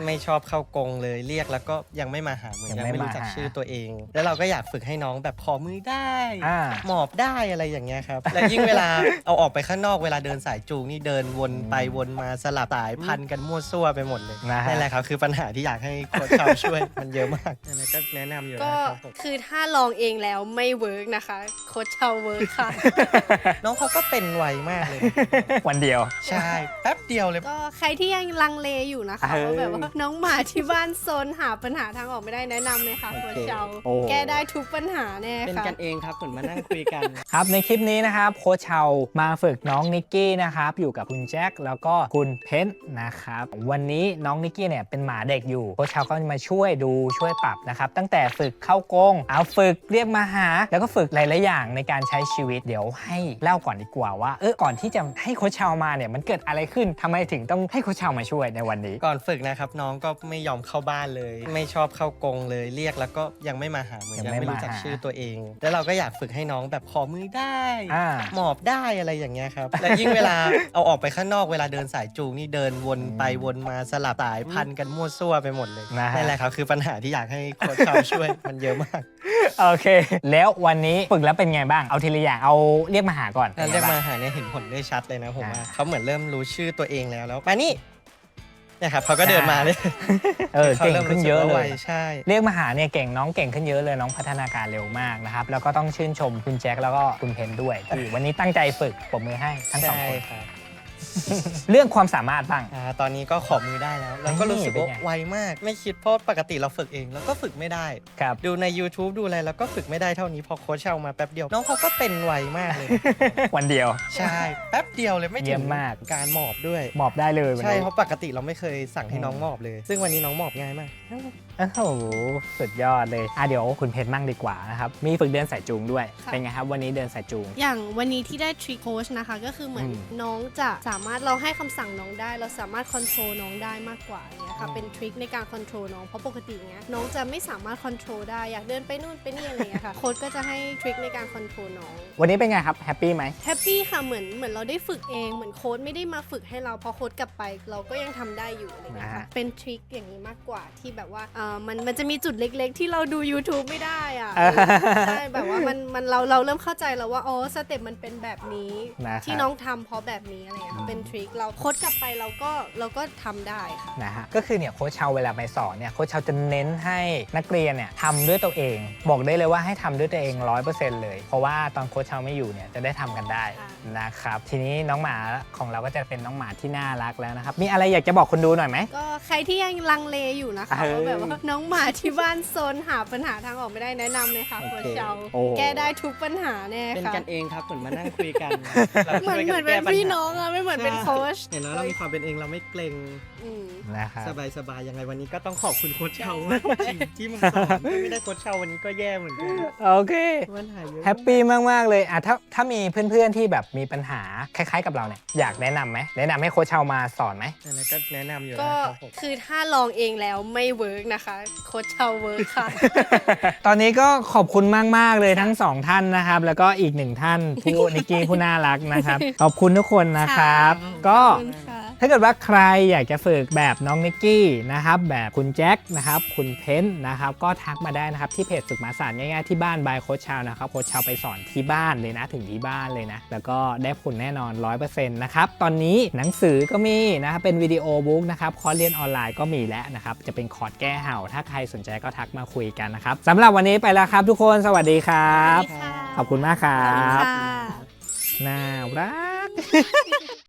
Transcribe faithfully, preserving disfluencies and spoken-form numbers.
ไม่ชอบเข้ากรงเลยเรียกแล้วก็ยังไม่มาหาเหมือนยังไม่รู้จักชื่อตัวเองแล้วเราก็อยากฝึกให้น้องแบบขอมือได้หมอบได้อะไรอย่างเงี้ยครับและยิ่งเวลาเอาออกไปข้างนอกเวลาเดินสายจูงนี่เดินวนไปวนมาสลับสายพันกันมั่วซั่วไปหมดเลยนั่นแหละครับคือปัญหาที่อยากให้โค้ชชาวช่วยมันเยอะมากนั่นแหละก็แนะนำอยู่ก็คือถ้าลองเองแล้วไม่เวิร์กนะคะโค้ชชาวเวิร์กค่ะน้องเขาก็เป็นไวมากเลยวันเดียวใช่แป๊บเดียวเลยก็ใครที่ยังลังเลอยู่นะคะว่าแบบว่าน้องหมาที่บ้านซนหาปัญหาทางออกไม่ได้แนะนำเลยค่ะโค้ชชาวแก้ได้ทุกปัญหาแน่ค่ะเป็นกันเองครับเหมือนมานั่งคุยกันครับในคลิปนี้นะครับโค้ชชาวมาฝึกน้องนิกกี้นะครับอยู่กับคุณแจ็คแล้วก็คุณเพนนะครับวันนี้น้องนิกกี้เนี่ยเป็นหมาเด็กอยู่โค้ชชาวก็มาช่วยดูช่วยปรับนะครับตั้งแต่ฝึกเข้ากรงเอาฝึกเรียกมาหาแล้วก็ฝึกหลายๆอย่างในการใช้ชีวิตเดี๋ยวให้เล่าก่อนดีกว่าว่าเออก่อนที่จะให้โค้ชชาวมาเนี่ยมันเกิดอะไรขึ้นทำไมถึงต้องให้โค้ชชาวมาช่วยในวันนี้ก่อนฝึกนะครับน้องก็ไม่ยอมเข้าบ้านเลยไม่ชอบเข้ากรงเลยเรียกแล้วก็ยังไม่มาหาเหมือนยังไม่รู้จักชื่อตัวเองแล้วเราก็อยากฝึกให้น้องแบบขอมือได้หมอบได้อะไรอย่างเงี้ยครับและยิ่งเวลาเอาออกไปข้างนอกเวลาเดินสายจูงนี่เดินวนไปวนมาสลับสายพันกันมั่วซั่วไปหมดเลยนั่นแหละครับคือปัญหาที่อยากให้โค้ชชาวช่วยมันเยอะมากโอเคแล้ววันนี้ฝึกแล้วเป็นไงบ้างเอาทีละอย่างเอาเรียกมาหาก่อนเรียกมาหาเนี่ยเห็นผลได้ชัดเลยนะผมว่าเขาเหมือนเริ่มรู้ชื่อตัวเองแล้วแล้วมานี่เนี่ยครับเขาก็เดินมาเลยเออเก่งขึ้นเยอะเลยใช่เรียกมาหาเนี่ยเก่งน้องเก่งขึ้นเยอะเลยน้องพัฒนาการเร็วมากนะครับแล้วก็ต้องชื่นชมคุณแจ็คแล้วก็คุณเพนด้วยที่วันนี้ตั้งใจฝึกปรบมือให้ทั้งสองคนเรื่องความสามารถบ้างอ่าตอนนี้ก็ขอมือได้แล้วแล้วก็รู้สึกว่าไวมากไม่คิดเพราะปกติเราฝึกเองแล้วก็ฝึกไม่ได้ครับดูใน YouTube ดูอะไรแล้วก็ฝึกไม่ได้เท่านี้พอโค้ชเอามาแป๊บเดียวน้องเขาก็เป็นไวมากเลยวันเดียวใช่แป๊บเดียวเลยไม่ถึงมากการหมอบด้วยหมอบได้เลยใช่เพราะปกติเราไม่เคยสั่งให้น้องหมอบเลยซึ่งวันนี้น้องหมอบง่ายมากโอ้โหสุดยอดเลยอ่ะเดี๋ยวคุณเพชรมั่งดีกว่านะครับมีฝึกเดินสายจูงด้วยเป็นไงครับวันนี้เดินสายจูงอย่างวันนี้ที่ได้ทริคโค้ชนะคะก็คือเหมือนน้องจะสามารถเราให้คำสั่งน้องได้เราสามารถคอนโทรลน้องได้มากกว่าอย่างเงี้ยค่ะเป็นทริคในการคอนโทรลน้องเพราะปกติเงี้ยน้องจะไม่สามารถคอนโทรลได้อยากเดินไปนู่นไปนี่อะไรเงี้ยค่ะโค้ชก็จะให้ทริคในการคอนโทรลน้องวันนี้เป็นไงครับแฮปปี้ไหมแฮปปี้ค่ะเหมือนเหมือนเราได้ฝึกเองเหมือนโค้ชไม่ได้มาฝึกให้เราพอโค้ชกลับไปเราก็ยังทำได้อยู่อะไรเงี้ยค่ะเป็นทริคอย่างนี้มากกว่าที่แบบว่าเออมันมันจะมีจุดเล็กๆที่เราดู YouTube ไม่ได้อ่ะใช่แบบว่ามันมันเราเราเริ่มเข้าใจแล้วว่าอ๋อสเต็ปมันเป็นแบบนี้ที่น้องทำเพราะแบบนี้อะไรเงี้ยเป็นทริคเราโค้ชกลับไปเราก็เราก็ทำได้ค่ะนะฮะก็คือเนี่ยโค้ชเชาเวลาไปสอนเนี่ยโค้ชเชาจะเน้นให้นักเรียนเนี่ยทำด้วยตัวเองบอกได้เลยว่าให้ทำด้วยตัวเอง ร้อยเปอร์เซ็นต์ เลยเพราะว่าตอนโค้ชเชาไม่อยู่เนี่ยจะได้ทำกันได้นะครับทีนี้น้องหมาของเราก็จะเป็นน้องหมาที่น่ารักแล้วนะครับมีอะไรอยากจะบอกคนดูหน่อยไหมก็ใครที่ยังลังเลอยู่นะคะว่าแบบว่าน้องหมาที่บ้านซนหาปัญหาทางออกไม่ได้แนะนำเลยค่ะโค้ชเชาแก้ได้ทุกปัญหาแน่ค่ะเป็นกันเองครับเหมือนมานั่งคุยกันเหมือนเหมือนเป็นพี่น้องอะไม่เหมือนเป็นโค้ชเห็นไหมเรามีความเป็นเองเราไม่เกรงนะครับสบายๆยังไงวันนี้ก็ต้องขอบคุณโค้ชเชามากจริงที่มาสอนไม่ได้โค้ชเชาวันนี้ก็แย่เหมือนกันโอเคแฮปปี้มากๆเลยอ่ะถ้าถ้ามีเพื่อนๆที่แบบมีปัญหาคล้ายๆกับเราเนี่ยอยากแนะนำไหมแนะนำให้โค้ชเชามาสอนไหมอะไรก็แนะนำอยู่ก็คือถ้าลองเองแล้วไม่เวิร์กนะคะโค้ชเชาเวิร์กค่ะตอนนี้ก็ขอบคุณมากๆเลยทั้งสองท่านนะครับแล้วก็อีกหนึ่งท่านผู้นิกกี้ผู้น่ารักนะครับขอบคุณทุกคนนะครับก็ถ้าเกิดว่าใครอยากจะฝึกแบบน้องนิกกี้นะครับแบบคุณแจ็คนะครับคุณเพนนะครับก็ทักมาได้นะครับที่เพจฝึกหมาสานง่ายๆที่บ้านบายโค้ชเชานะครับโค้ชเชาไปสอนที่บ้านเลยนะถึงที่บ้านเลยนะแล้วก็ได้ผลแน่นอน ร้อยเปอร์เซ็นต์ นะครับตอนนี้หนังสือก็มีนะครับเป็นวิดีโอบุ๊กนะครับคอร์สเรียนออนไลน์ก็มีแล้วนะครับจะเป็นคอร์สแก้เห่าถ้าใครสนใจก็ทักมาคุยกันนะครับสำหรับวันนี้ไปแล้วครับทุกคนสวัสดีครับขอบคุณมากครับน่ารัก